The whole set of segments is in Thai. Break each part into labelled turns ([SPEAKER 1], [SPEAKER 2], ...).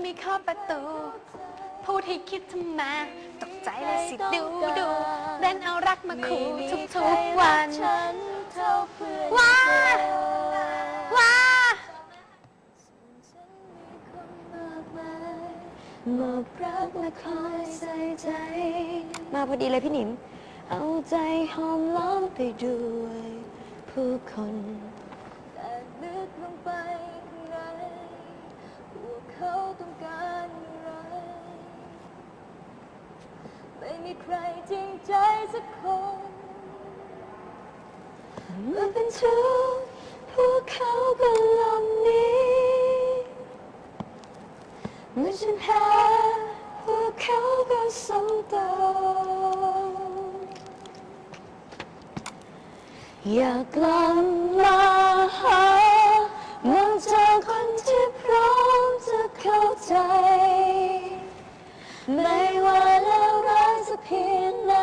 [SPEAKER 1] ไม่เคาะประตูพูดให้คิดทำไมตกใจเลยสิดูเล่นเอารักมาขู่ทุกวันว้าว้ามอบรักและคอยใส่ใจมาพอดีเลยพี่หนิมเอาใจหอมล้อมไปด้วยผู้คนแต่ลึกลงไปข้างในพวกเขาต้องการอะไรไม่มีใครจริงใจสักคนเมื่อเป็นทุกข์พวกเขาก็หลบหนีเมื่อฉันแพ้พวกเขาก็สมตองอยากกลับมาหามองเจอคนที่พร้อมจะเข้าใจไม่ว่าแล้วร้ายสักเพียงไหน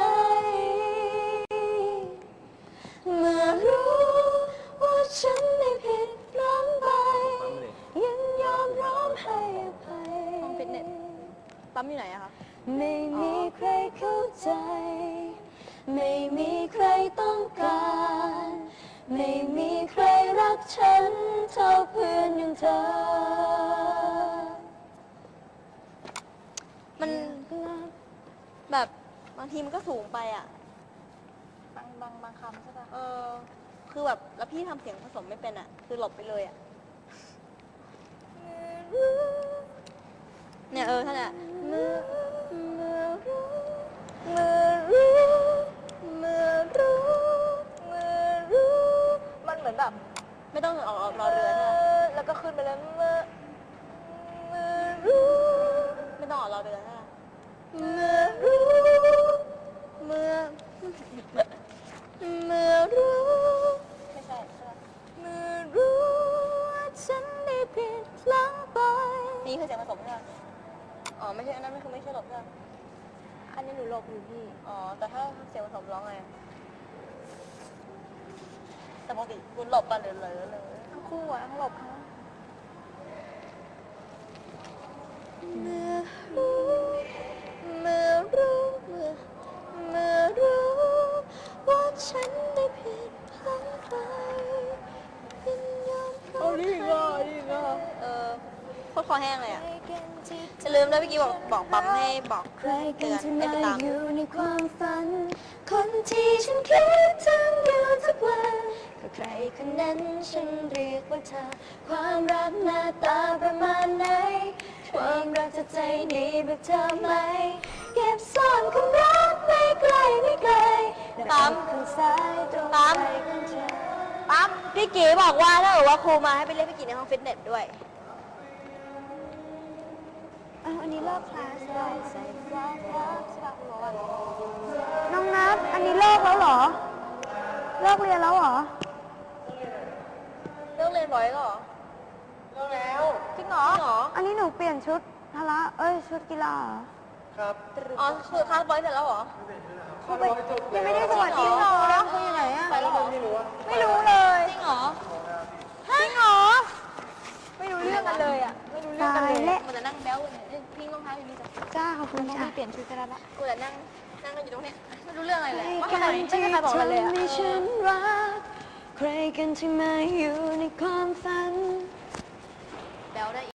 [SPEAKER 1] เมื่อรู้ว่าฉันได้ผิดพลั้งไปยังยอมร้องให้อภัยห้องฟิตเนสปั๊มอยู่ไหนอะคะไม่มีใครเข้าใจไม่มีใครต้องการไม่มีใครรักฉันเท่าเพื่อนอย่างเธอมันแบบบางทีมันก็สูงไปอ่ะบางคำใช่ป่ะคือแบบแล้วพี่ทำเสียงผสมไม่เป็นอ่ะคือหลบไปเลยอ่ะเนี่ยท่านอ่ะเมื่อรู้มันเหมือนแบบไม่ต้องออกรอเรือใช่ไหมแล้วก็ขึ้นไปเลยเมื่อรู้ไม่ต้องออกรอเรือใช่ไหมเมื่อรู้ไม่ใช่เมื่อรู้ว่าฉันได้ผิดพลั้งไปนี่คือเสียงผสมใช่ไหมอ๋อไม่ใช่อันนั้นไม่ใช่หลบใช่ไหมอันนี้หนูหลบอยู่พี่อ๋อแต่ถ้าเสียงผสมร้องไงแต่ปกติคุณหลบป่ะเลยทั้งคู่อะทั้งหลบทั้งเมื่อรู้ว่าฉันได้ผิดพลั้งไปยินยอมพร้อมให้โคตรคอแห้งเลยอ่ะจะลืมด้วยเมื่อกี้บอกปั๊มให้บอกเตือนให้ไปตามอยู่ในความฝันคนที่ฉันคิดถึงอยู่ทุกวันก็ใครคนนั้นฉันเรียกว่าเธอความรักหน้าตาประมาณไหนความรักจะใจดีแบบเธอไหมเก็บซ่อนความรักไม่ไกลปั๊มข้างซ้ายตรงใจของเธอปั๊มพี่กีบอกว่าถ้าบอกว่าครูมาให้ไปเรียกพี่กีในห้องฟิตเนสด้วยอันนี้เลิกคลาสแล้วน้องนัทอันนี้เลิกแล้วเหรอเลิกเรียนแล้วเหรอเลิกเรียนบ่อยแล้วเหรอเลิกแล้วจริงเหรออันนี้หนูเปลี่ยนชุดพละชุดกีฬาครับอ๋อคือคลาสบ่อยเสร็จแล้วเหรอเขาไปยังไม่ได้สวัสดีหรอเขาอยู่ไหนอะไปแล้วเหรอไม่รู้เลยจริงเหรอไม่รู้เรื่องกันเลยอะไม่รู้เรื่องกันเลยมันจะนั่งแบ๊วพี่รองเท้าอยู่นี่จ้าขอบคุณจ้าเปลี่ยนชุดกันแล้วละกูจะนั่งกันอยู่ตรงนี้ไม่รู้เรื่องอะไรเลยว่าทำไมไม่มีใครบอกเลยอะใครกันที่มาอยู่ในความฝั